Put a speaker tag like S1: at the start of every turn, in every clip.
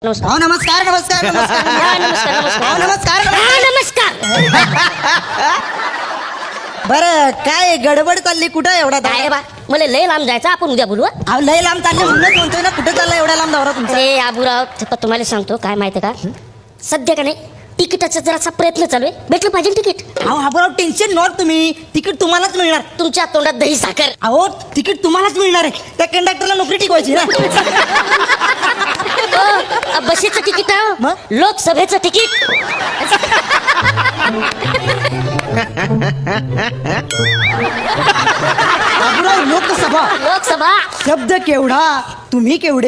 S1: नमस्कार.
S2: नमस्कार नमस्कार नमस्कार
S1: हा, नमस्कार नमस्कार
S2: नमस्कार
S1: हा, नमस्कार.
S2: बरं काय गडबड चालली कुठं एवढा
S1: काय रे बा मला लय लांब जायचं आपण उद्या बोलू हं?
S2: अहो लय लांब चालले म्हणूनच म्हणतोय ना कुठं चालला एवढा लांब दौरा तुमचा
S1: अरे आबूराव तुम्हाला सांगतो काय माहिती का सध्या का नाही तिकिटाचा जरासा प्रयत्न चालू आहे भेटलं पाहिजे तिकीट
S2: अहो हा टेन्शन नॉट तुम्ही तिकीट तुम्हालाच मिळणार
S1: तुमच्या तोंडात दही साखर
S2: अहो तिकीट तुम्हालाच मिळणार आहे त्या कंडक्टरला नोकरी टिकवायची ना
S1: बसेचं तिकीट आहे
S2: मग?
S1: लोकसभेचं तिकीट
S2: बाबूराव लोकसभा
S1: लोकसभा
S2: शब्द केवढा तुम्ही केवढे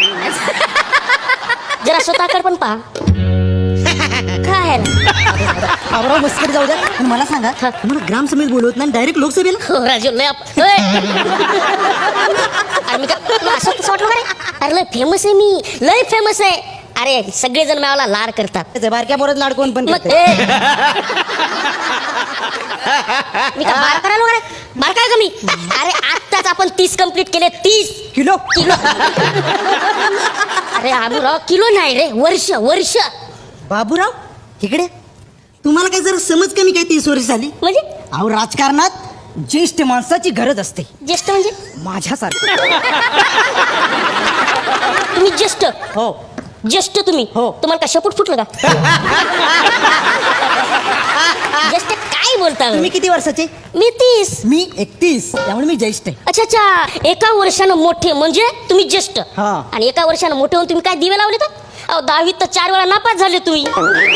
S1: जरा स्वतःकडे पण पहा काय आहे ना?
S2: बाबूराव मस्करी जाऊ द्या पण मला सांगा
S1: हा.
S2: तुम्हाला ग्रामसभेत बोलवत नाही डायरेक्ट लोकसभेला
S1: हो राजू लय होय. अरे मी का तुला असं कसं वाटलं का रे अरे लय फेमस आहे मी लय फेमस आहे अरे सगळेजण मला लाड करतात
S2: त्याचे बारक्या पोरात लाडकोन पण
S1: मग
S2: करते.
S1: मी का बार करायला वगैरे बार काय का मी अरे आत्ताच आपण 30 कंप्लीट केले 30
S2: किलो
S1: किलो अरे आबूराव किलो नाही रे वर्ष वर्ष
S2: बाबूराव इकडे तुम्हाला काय जरा समज कमी काय 30 वर्ष झाली
S1: म्हणजे
S2: अहो राजकारणात ज्येष्ठ माणसाची गरज असते
S1: ज्येष्ठ म्हणजे
S2: माझ्यासारखं
S1: तुम्ही ज्येष्ठ
S2: हो
S1: ज्येष्ठ तुम्ही
S2: हो.
S1: तुम्हाला का शपूट फुटलं का ज्येष्ठ काय बोलता
S2: तुम्ही किती वर्षाचे
S1: मी 30
S2: मी 31 त्यामुळे मी ज्येष्ठ आहे
S1: अच्छा अच्छा एका वर्षानं मोठे म्हणजे तुम्ही ज्येष्ठ
S2: हा.
S1: आणि एका वर्षानं मोठे होऊन तुम्ही काय दिवे लावले तर अहो 10वीत तर 4 वेळा नापास झाले तुम्ही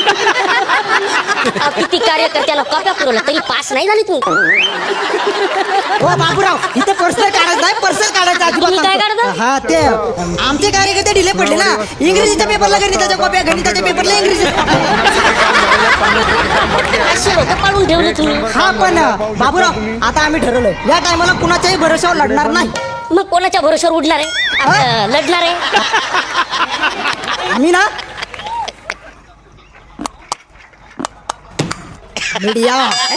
S1: अहो, किती कार्यकर्त्याला कॉप्या पुरवल्या तरी पास नाही झाली तुम्ही
S2: हो बाबूराव इथे पर्सनल काढायचं नाही पर्सनल काढायचं अजिबात
S1: तुम्ही काय
S2: सांगतो.
S1: काढता?
S2: हा ते आमचे कार्यकर्ते ढिले पडले ना इंग्रजीच्या पेपरला गणिताच्या कॉप्या गणिताच्या पेपरला इंग्रजी
S1: असे लोक पाडून ठेवले तुम्ही
S2: हा पण बाबूराव आता आम्ही ठरवलंय या टायमाला कुणाच्याही भरोशावर लढणार नाही
S1: मग कोणाच्या भरोश्यावर उडणार आहे आपलं लढणार आहे
S2: आम्ही ना मीडिया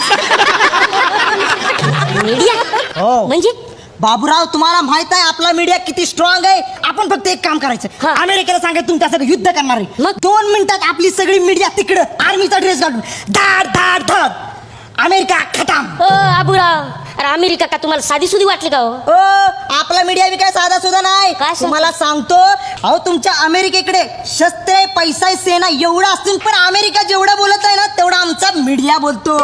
S1: मीडिया
S2: हो.
S1: म्हणजे
S2: बाबूराव तुम्हाला माहित आहे आपला मीडिया किती स्ट्रॉंग आहे आपण फक्त एक काम करायचं
S1: हा.
S2: अमेरिकेला सांगायचं तुमच्यासाठी युद्ध करणार आहे
S1: मग?
S2: 2 मिनिटात आपली सगळी मीडिया तिकडं आर्मीचा ड्रेस घालून धाड धाड धाड अमेरिका खटाम
S1: हो आबूराव अरे अमेरिका का तुम्हाला साधी सुधी वाटली का हो
S2: ओ आपला मीडिया बी काय साधा सुद्धा नाही
S1: काय सांग-
S2: तुम्हाला सांगतो अहो तुमच्या अमेरिकेकडे शस्त्रे पैसा सेना एवढं असून पण अमेरिका जेवढं बोलत आहे ना तेवढा आमचा मीडिया बोलतो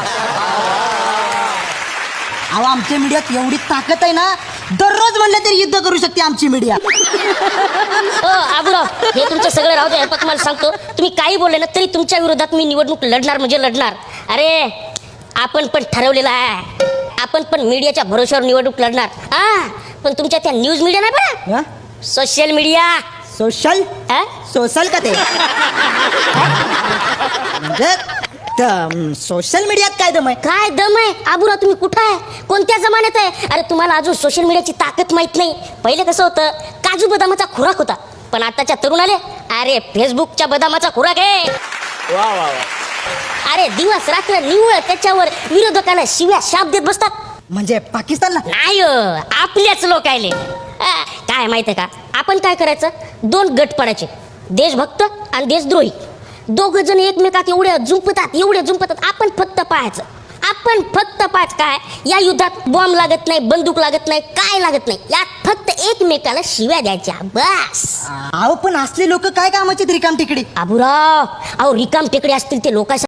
S2: अहो आमच्या मीडियात एवढी ताकद आहे ना दररोज म्हणलं तरी युद्ध करू शकते आमची मीडिया
S1: हो आबूराव हे तुमचं सगळं राहू दे पण तुम्हाला सांगतो तुम्ही काही बोलले ना तरी तुमच्या विरोधात मी निवडणूक लढणार म्हणजे लढणार अरे आपण पण ठरवलेलं आहे आपण पण मीडियाच्या भरोश्यावर निवडणूक लढणार हा पण तुमच्या त्या न्यूज मीडिया नाही बघा सोशल मीडिया
S2: सोशल सोशल का ते म्हणजे सोशल मीडियात काय दम आहे
S1: काय दम आहे आबूराव तुम्ही कुठं आहे कोणत्या जमान्यात आहे अरे तुम्हाला अजून सोशल मीडियाची ताकद माहित नाही पहिले कसं होतं काजू बदामाचा खुराक होता पण आताच्या तरुण आले अरे फेसबुकच्या बदामाचा खुराक आहे अरे दिवस रात्र निव्वळ त्याच्यावर विरोधकाला शिव्या शाप देत बसतात
S2: म्हणजे पाकिस्तानला
S1: नाही आपल्याच लोक आले काय माहितीये का आपण काय करायचं 2 गट पडायचे देशभक्त आणि देशद्रोही 2 जण एकमेकात एवढे जुंपतात आपण फक्त पाहायचं काय या युद्धात बॉम्ब लागत नाही बंदूक लागत नाही काय लागत नाही यात फक्त एकमेकाला शिव्या द्यायच्या बस
S2: अहो पण असले लोक काय कामाचे रिकाम तिकडे
S1: आबूराव अहो रिकाम टेकडे असतील ते लोकांसाठी